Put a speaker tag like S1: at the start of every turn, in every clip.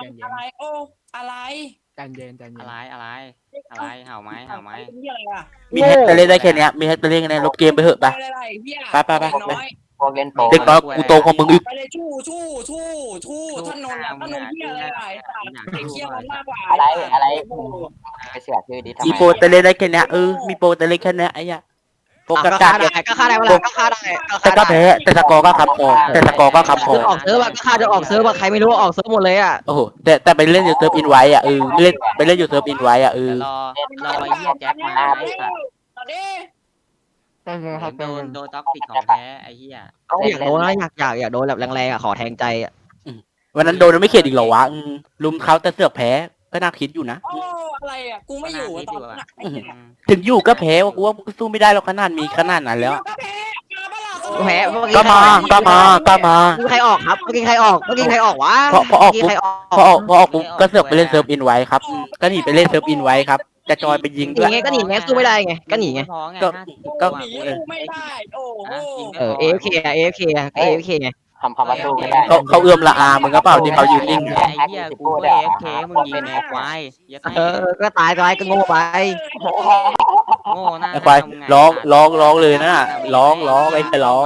S1: เย็น
S2: อะไรโอ้อะไร
S1: ใจเย็นใจเย็น
S3: อะไรเห่าไหม
S2: นี่อะไรอ่ะ
S4: มีแฮกไปเล่นได้แค่เนี้ยมีแฮกไปเล่นกันในลบเกมไปเถอะไป
S2: อะไรเฮีย
S4: ไป
S2: น้อย
S5: พวกเล่นโปร
S4: เด็กน้อยกูโตกว่ามึงอีก
S2: ไปเลยชู่ท่านนนท์ท่านนนท์เฮียอะไรไอ้เฮียมันมากกว่า
S5: อะไรไปเสือกชื่อดิทำ
S4: มี
S5: ไม
S4: โปรแต่เล่นได้แค่เนี้ยมีโปรแต่เล่นแค่เนี้ยไอ้เหี้ยโปรกากา
S3: ก็ฆ่าได้เวลาก็ฆ่าได้
S4: แต่ก็แพ้แต่สกอร์ก็คำพอแต่สกอร์ก็คำพอ
S3: ออกเซิร์ฟก็ฆ่าจะออกเซิร์ฟใครไม่รู้ออกเซิร์ฟหมดเลยอ่ะ
S4: โอ้โหแต่ไปเล่นอยู่เซิร์ฟอินไว้อ่ะเล่นไปเล่นอยู่เซิร์ฟอินไว้อ่ะ
S3: รอไอ้เหี้ยแจ็คมาไอ้สัตว์
S2: ตอนนี้
S1: ใจเย็นครับใจ
S3: โด
S1: เย็
S3: น
S1: น
S3: โดนท็อกซิกของแท้ไอ้เหี้ย
S5: เขาอยากโดนนะ
S3: อยากโดนแบบแรงๆอ่ะขอแทงใจอ่ะ
S4: วันนั้นโดนไม่เข็ดอีกเหรอวะลุมเขาแต่เสือกแพ้ก็น่าคิดอยู่นะ
S2: โอ้อะไรอ่ะกูไม่อยู่ตอนนั้น
S4: ถึงอยู่ก็แพ้ว่ากูว่ากูสู้ไม่ได้หรอกขนาดมีขนาดนั้นแล้ว
S3: แพ้
S4: ก็มา
S3: ใครออกครับเมื่อกี้ใครออกวะ
S4: พอออกปุ๊บก็เสือกไปเล่นเซิร์ฟอินไว้ครับก็หนีไปเล่นเซิร์ฟอินไว้ครับจะจอยไปยิง
S3: หนี
S4: ด้วย
S3: ไงก็หนีไงสู้ไม่ได้ไงก็หนีไง
S4: ก็
S2: หนีไม่ได้โอ้โห
S3: AFK อ่ะ AFK อ่ะ AFK ไง
S5: คำว่าสู้ไม่ได้
S4: เขาเอื้อมละอามึงก็เปล่าที่เขายืนนิ่ง
S3: ไอ้เหี้ยกูก็ AFK มึงยิงไงควายก็ตายก็โง่ไปโง่หน้า
S4: ไอ้ควายร้องเลยนะร้องไอ้จะร้อง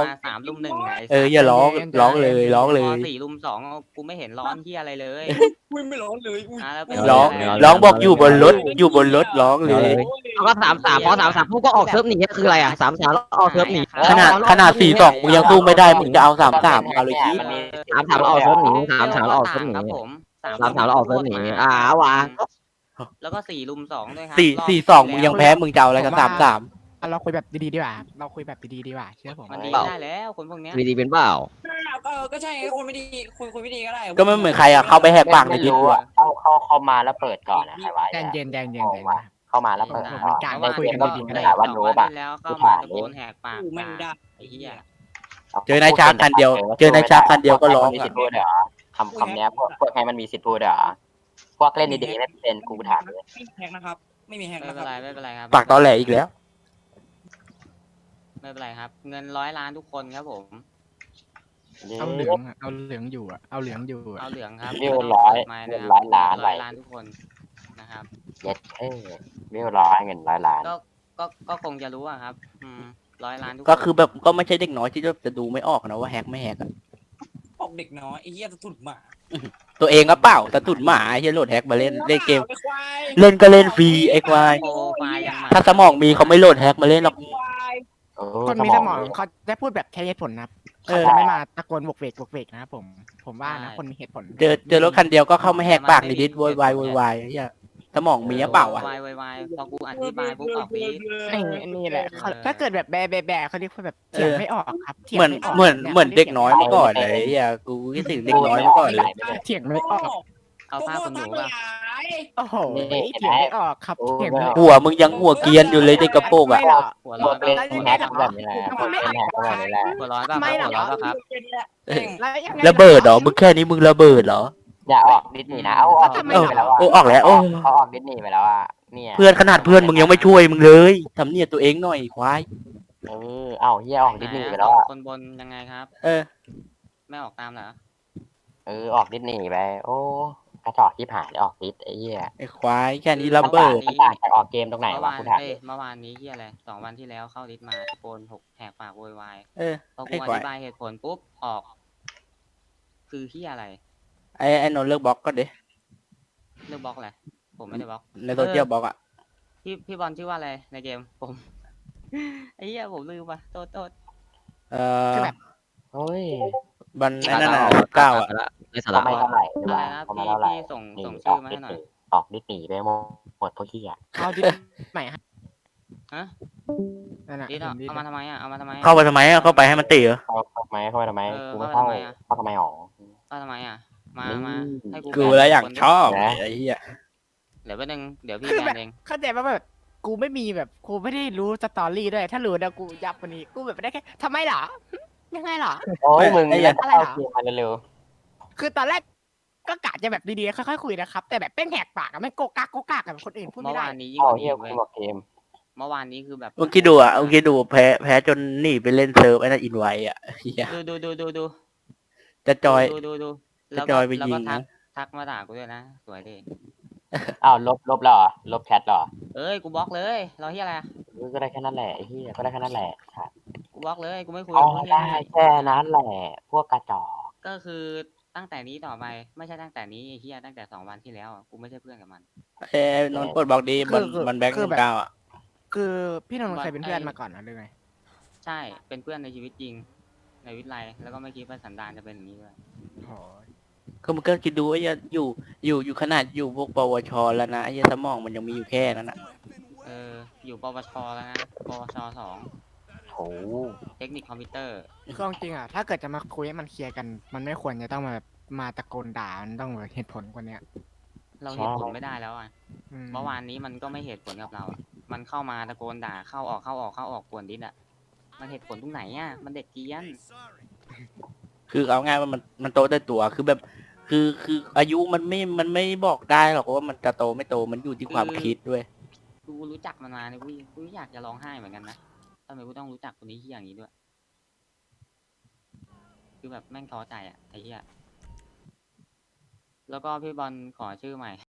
S3: 3-1
S4: อย่าร้องเลย
S3: 4-2กูไม่เห็นร้อนเหี้ยอะไรเลย
S2: ไม่ร้อนเลย
S4: ร้องบอกอยู่บนรถร้องเลย
S3: เขาก็3-3พอ3-3พวกก็ออกเซิร์ฟหนีคืออะไรอ่ะ3-3แล้วออกเซิร์ฟหนี
S4: ขนาด4-2มึงยังสู้ไม่ได้มึงจะเอา3-3เอาเลยที่
S3: 3-3แล้วออกเซิร์ฟหนี3-3แล้วออกเซิร์ฟหนี
S6: ครับผม
S3: 3-3แล้วออกเซิร์ฟหนีวาง
S6: แล้วก็4-2ด้วยครั
S4: 4-2มึงยังแพ้มึงจะเอาอะไรกับ3-3
S1: เราคุยแบบดีๆดีกว่าเราคุยแบบดีๆดีกว่าเชื่อผม
S6: มันดีได้แล้วคนพวกเนี้ย
S3: ดีเป็นเปล่า
S2: ก็ใช่คนไม่ดีคนไม่ดีก็ได้
S4: ก็ไม่เหมือนใครอ่ะเข้าไปแหกปากในดิสอ่ะ
S5: เข้ามาแล้วเปิดก่อนนะใครวะ
S1: ใจเย็นใจเย็นใจเย็น
S5: เข้ามาแล้วเปิด
S1: มันการคุยกันดีๆก็ได้
S5: วันโน้บ
S6: แล้วเข้ามาตะโกนแหกปาก
S2: ไม่ได้
S6: ไอ้เหี้ย
S4: เจอนายช้างคันเดียวก็ร้อง
S5: มีสิทธิ์พูดเหรอคำเนี้ยพวกให้มันมีสิทธิ์พูดเหรอพวกเล่นดีๆไม่เป็นกูถามเลย
S2: ไม่มีแฮกนะครับไม่มีแฮก
S6: ไม่
S2: นะค
S6: เป็น
S2: รับ
S6: ไรไม่เป็นไรครับ
S4: ปากตอแหลอีกแล้ว
S6: ไม่เป็นไรครับ เงิน100 ล้านทุกคนครับผม
S1: เอาเหลืองอะเอาเหลืองอยู่อะเอาเหลืองอยู่อะ
S6: เอาเหลืองครับ
S5: วิวร้อยล้าน
S6: 100 ล้านทุกคนนะครับ
S5: เย็ดวิว100เงิน100 ล้าน
S6: ก็คงจะรู้อะครับ100 ล้านทุกคน
S4: ก็คือแบบก็ไม่ใช่เด็กน้อยที่จะดูไม่ออกนะว่าแฮกไม่แฮกอะ
S2: ออกเด็กน้อยไอ้เหี้ยจะถุดหมา
S4: ตัวเองก็เปล่าแต่ตุ่นหมาไอ้เหี้ยโหลดแฮกมาเล่นเกมเล่นก็เล่นฟรีไอ้ควาย
S6: โปรไฟล์ยังมา
S4: ถ้าสมองมีเขาไม่โหลดแฮกมาเล่นหรอก
S1: คนมีสมองเขาจะพูดแบบใช้เหตุผลนะครับเขาจะไม่มาตะโกนบวกเวกนะครับผมว่านะคนมีเหตุผล
S4: เจอรถคันเดียวก็เข้ามาแหกปากในดิสโวยวายไอ้เหี้ยสมองมีหรือเปล่าอ่ะ
S6: วายพอกูอธิบายปุ๊บออกฟีด
S1: นี่แหละถ้าเกิดแบบแบเขาเรียกว่าแบบเถียงไม่ออกครับ
S4: เหมือนเด็กน้อยเมื่อก่อนเลยไอ้เหี้ยกูคิดถึงเด็กน้อยเมื่อก่อนเลย
S1: เถียงไม่ออก
S6: เอาผ้าคนหนูป่ะ
S1: โอ้โหเถียงไม่ออกครับเถียงไม่ออก
S4: หัวมึงยังหัวเกรียนอยู่เลยเด็กกระโปรงอ่ะ
S6: หัว
S5: พ
S6: ร้
S5: ว
S6: อน
S5: กเล่นแฮกแบบนี้แหละพวกเล่นแฮกแบบนี้แหละ
S6: หัวร้อนป่ะหัวร้อนป่ะครับ
S4: ระเบิดเหรอมึงแค่นี้มึงระเบิดเหรอ
S5: อย่าออกดิสนีย์นะเอาออกดิสนีย์ไปแล้ว
S4: ออกแล้ว
S5: เขาออกดิสนีย์ไปแล้วอ่ะเนี่ย
S4: เพื่อนขนาดเพื่อนมึงยังไม่ช่วยมึงเลยทำเนี่ยตัวเองหน่อยควาย
S5: เอาเฮียออกดิสนีย์ไปแล้วอ่ะ
S6: คนบนยังไงครับ ไม่ออกตามเหรอ
S5: ออกดิสนีย์ไปโอ้กระจอกที่ผ่านออกดิสไอ้เหี้ย
S4: ไอ้ควายแค่นี้ระเบิด
S5: มันต่างจากออกเกมตรงไหน
S6: เมื่อ
S5: วะ
S6: วาน
S5: กูถาม
S6: เมื่อวานนี้ที่อะไร2 วันที่แล้วเข้าดิสมาตะโกนแหกปากโวยวาย พอกู
S4: ไอ้
S6: อ
S4: ควา
S6: ธิ
S4: ย
S6: บายเหตุผลปุ๊บออก คือที่อะไร
S4: ไอ้นนท์เลิกบล็อกก็เด้
S6: เลือกบล็อกอะไรผมไม่ได้บล็อก
S4: ในโซเชียลบล็อกอ่ะ
S6: พี่บอลชื่อว่าอะไรในเกมผม ไอ้เหี้ยผมลืมว่ะโทษ
S5: เฮ้ย
S4: บันไอ้นั่นน่ะ9อ่ะ
S3: ในสาระ
S5: ทำไมเท่าไหร่
S6: อะไรนะ
S5: ทำไม
S6: พี่
S5: เท่าไหร่
S6: พี่ส่งชื่อมาให้หน่อย
S5: ออกดิสนีย์ไปหมดพวกเหี้ย
S1: เอาดิใหม่ฮะ
S6: ฮะ
S1: นั่นน่ะ
S6: ดิสเอามาทำไมอ่ะเอามาทำไม
S4: เข้าไปทำไมอ่ะเข้าไปให้มันตีเหรอ
S5: เข้าไปทำไมกูไม่เข้าเข้าทำไมหรอ
S6: เอาทำไมอ่ะมาให้กู
S4: กูแล้วอยากชอบไอ้เหี้ย
S6: เดี๋ยวแป๊บนึงเดี๋ยวพี่
S1: คือ
S6: แบ
S1: แบบ
S6: นเอง
S1: เข้าใจว่าแบบกูไม่มีแบบกูไม่ได้รู้สตอรี่ด้วยถ้ารู้นะกูยับวันนี้กูแบบได้แค่ทำไมเหรอยังไงเหรอ
S5: โอ้ยมึง
S1: อะไร
S5: เข้า
S1: เหรอ
S5: เกมมาเร็ว
S1: คือตอนแรกก็กะจะแบบดีๆค่อยๆคุยนะครับแต่แบบเป้งแหกปากอะไม่โกกากกับคนอื่นพูด
S6: เมื่
S1: ไม่
S6: อ
S1: ได้
S6: วานนี้
S5: ๆ
S6: ยิ่ง
S5: อ๋
S6: ก
S5: อ
S6: ว่า
S5: เฮี
S6: นี้
S5: ย
S6: เว้
S5: กู
S6: ย
S5: บอกเกม
S6: เมื่อวานนี้คือแบบ
S4: มึงคิดดูแพ้จนหนีไปเล่นเซิร์ฟไอ้นั่นอินไว้อ่ะเหี้ย
S6: ดู
S4: จะจอย
S6: ดู
S4: จะจอยไปยิงนะ
S6: ทักมาด่ากูด้วยนะสวยดิ
S5: อ้าวลบแล้วเหรอลบแชทเหรอ
S6: เอ้ยกูบล็อกเลยรอเฮียอะไร
S5: ก็ได้แค่นั้นแหละไอ้เหี้ยก็ได้แค่นั้นแหละ
S6: กูบล็อกเลยกูไม่คุย
S5: อ๋อ
S6: กับพวกเฮีย
S5: ได้
S6: นี่
S5: แค่นั้นแหละพวกกระจอก
S6: ก็คือตั้งแต่นี้ต่อไปไม่ใช่ตั้งแต่นี้ไอ้เฮียตั้งแต่2 วันที่แล้วอะกูไม่ใช่เพื่อนกับมัน
S4: นนท์ปลดบอกดีมันแบ็คเก้าอ่ะ
S1: คือพี่นนท์เคยเป็นเพื่อนมาก่อนนะหรือไง
S6: ใช่เป็นเพื่อนในชีวิตจริงในวิทย์ไลแล้วก็ไม่คิดว่าสันดานจะเป็นอย่างนี้ด้วย
S1: โอ้ย
S4: ก็มันก็คิดดูว่าอยู่ขนาดอยู่พวกปวชแล้วนะไอ้เหี้ยสมองมันยังมีอยู่แค่นั้นนะ
S6: อยู่ปวชแล้วนะปวช2
S5: โอ้
S6: เทคนิคคอมพิวเตอร์
S1: คือจริงๆอ่ะถ้าเกิดจะมาคุยให้มันเคลียร์กัน มันไม่ควรจะต้องมาแบบมาตะโกนด่ามันต้องแบบเหตุผลกว่าเนี้ย
S6: เราเหตุผลไม่ได้แล้วอ่ะ
S1: อืม
S6: เมื่อวานนี้มันก็ไม่เหตุผลกับเราอ่ะมันเข้ามาตะโกนด่าเข้าออกกวนดิสอ่ะมันเหตุผลตรงไหนอ่ะมันเด็กเกรียน
S4: คือเอาง่ายว่ามันโตได้ตัวคือแบบคืออายุมันไม่บอกได้หรอกว่ามันจะโตไม่โตมันอยู่ที่ความคิดด้วย
S6: กูรู้จักมันมาเนี่ยกูอยากจะร้องไห้เหมือนกันนะทำไมกูต้องรู้จักคนนี้ที่อย่างนี้ด้วย คือแบบแม่งท้อใจอ่ะไอ้เหี้ยแล้วก็พี่บอลขอชื่อใหม่